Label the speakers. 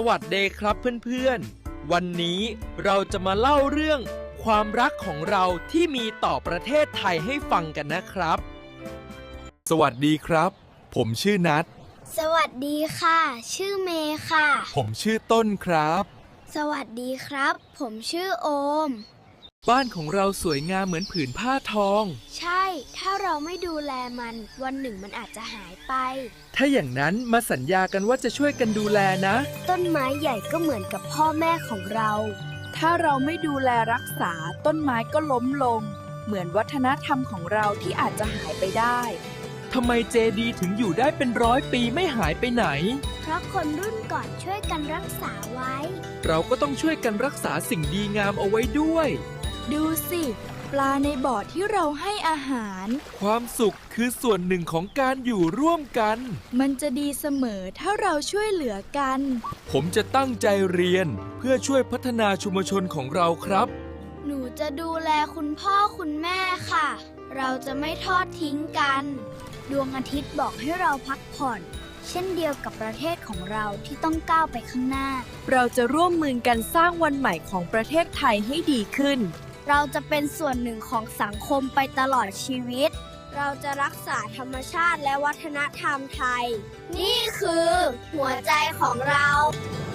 Speaker 1: วัสดีครับเพื่อนๆวันนี้เราจะมาเล่าเรื่องความรักของเราที่มีต่อประเทศไทยให้ฟังกันนะครับสวัสดีครับผมชื่อนัท
Speaker 2: สวัสดีค่ะชื่อเมย์ค่ะ
Speaker 1: ผมชื่อต้นครับ
Speaker 2: สวัสดีครับผมชื่อโอม
Speaker 1: บ้านของเราสวยงามเหมือนผืนผ้าทอง
Speaker 2: ใช่ถ้าเราไม่ดูแลมันวันหนึ่งมันอาจจะหายไป
Speaker 1: ถ้าอย่างนั้นมาสัญญากันว่าจะช่วยกันดูแลนะ
Speaker 2: ต้นไม้ใหญ่ก็เหมือนกับพ่อแม่ของเรา
Speaker 3: ถ้าเราไม่ดูแลรักษาต้นไม้ก็ล้มลงเหมือนวัฒนธรรมของเราที่อาจจะหายไปได้
Speaker 1: ทำไมเจดีย์ถึงอยู่ได้เป็น100 ปีไม่หายไปไหน
Speaker 2: เพราะคนรุ่นก่อนช่วยกันรักษาไว้
Speaker 1: เราก็ต้องช่วยกันรักษาสิ่งดีงามเอาไว้ด้วย
Speaker 3: ดูสิปลาในบ่อที่เราให้อาหาร
Speaker 1: ความสุขคือส่วนหนึ่งของการอยู่ร่วมกัน
Speaker 3: มันจะดีเสมอถ้าเราช่วยเหลือกัน
Speaker 1: ผมจะตั้งใจเรียนเพื่อช่วยพัฒนาชุมชนของเราครับ
Speaker 2: หนูจะดูแลคุณพ่อคุณแม่ค่ะเราจะไม่ทอดทิ้งกันดวงอาทิตย์บอกให้เราพักผ่อนเช่นเดียวกับประเทศของเราที่ต้องก้าวไปข้างหน้า
Speaker 3: เราจะร่วมมือกันสร้างวันใหม่ของประเทศไทยให้ดีขึ้น
Speaker 2: เราจะเป็นส่วนหนึ่งของสังคมไปตลอดชีวิตเราจะรักษาธรรมชาติและวัฒนธรรมไทยนี่คือหัวใจของเรา